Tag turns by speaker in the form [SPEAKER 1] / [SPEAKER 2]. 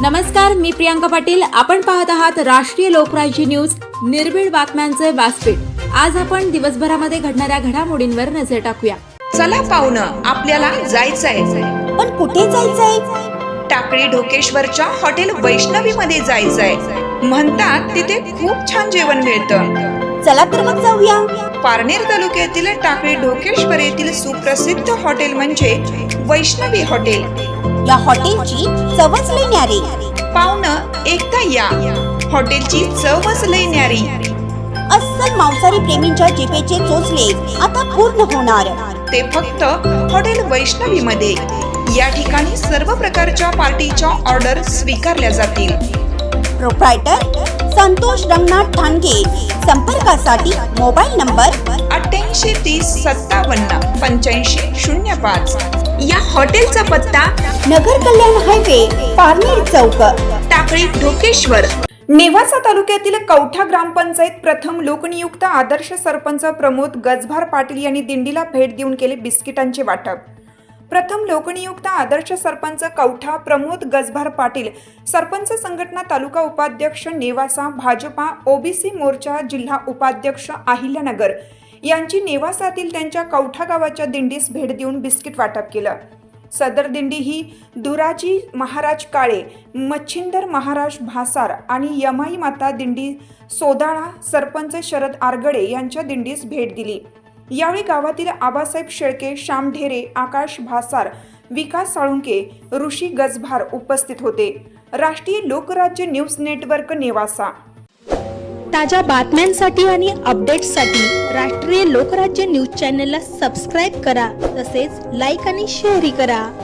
[SPEAKER 1] नमस्कार, मी प्रियांका पाटील. आपण पाहत आहात राष्ट्रीय लोकराज्य न्यूज, निर्भीड बातम्यांचे व्यासपीठ. आज आपण दिवसभरामध्ये घडणाऱ्या घडामोडींवर नजर टाकूया.
[SPEAKER 2] चला पाहुणं, आपल्याला जायचंय.
[SPEAKER 3] पण कुठे जायचंय?
[SPEAKER 2] टाकळी ढोकेश्वरच्या हॉटेल वैष्णवी मध्ये जायचंय. म्हणतात तिथे खूप छान जेवण मिळतं.
[SPEAKER 3] चला तर मग जाऊया.
[SPEAKER 2] पारनेर तालुक्यातील टाकळी ढोकेश्वर येथील सुप्रसिद्ध हॉटेल म्हणजे वैष्णवी हॉटेल.
[SPEAKER 3] या हॉटेलची चवच लई न्यारी.
[SPEAKER 2] पाहुणं, एकदा या. हॉटेलची चवच लई न्यारी.
[SPEAKER 3] अस्सल मांसाहारी प्रेमींच्या जिभेचे चोचले आता पूर्ण होणार.
[SPEAKER 2] ते फक्त हॉटेल वैष्णवी मध्ये. या ठिकाणी सर्व प्रकारच्या पार्टीच्या ऑर्डर स्वीकारल्या जातील.
[SPEAKER 3] प्रोप्रायटर संतोष रंगनाथ ठाणगे. संपर्कासाठी मोबाईल नंबर
[SPEAKER 2] 8830578505. या हॉटेलचा पत्ता
[SPEAKER 3] नगर कल्याण हायवे, पारनेर चौक,
[SPEAKER 2] टाकळी ढोकेश्वर. नेवासा तालुक्यातील कवठा ग्रामपंचायत प्रथम लोकनियुक्त आदर्श सरपंच प्रमोद गजभार पाटील यांनी दिंडीला भेट देऊन केले बिस्किटांचे वाटप. प्रथम लोकनियुक्त आदर्श सरपंच कवठा प्रमोद गजभार पाटील, सरपंच संघटना तालुका उपाध्यक्ष नेवासा, भाजपा ओबीसी मोर्चा जिल्हा उपाध्यक्ष अहिल्यानगर यांची नेवासातील त्यांच्या कवठा गावाच्या दिंडीस भेट देऊन बिस्किट वाटप केलं. सदर दिंडी ही दुराजी महाराज काळे, मच्छिंदर महाराज भासार आणि यमाई माता दिंडी सोदाळा सरपंच शरद आरगडे यांच्या दिंडीस भेट दिली. यावेळी गावातील आबासाहेब शेळके, श्याम ढेरे, आकाश भासार, विकास साळुंके, ऋषी गजभार उपस्थित होते. राष्ट्रीय लोकराज्य न्यूज नेटवर्क नेवासा.
[SPEAKER 4] ताज्या बातम्यांसाठी आणि अपडेट्ससाठी राष्ट्रीय लोकराज्य न्यूज चॅनलला सबस्क्राईब करा. तसेच लाईक आणि शेअरही करा.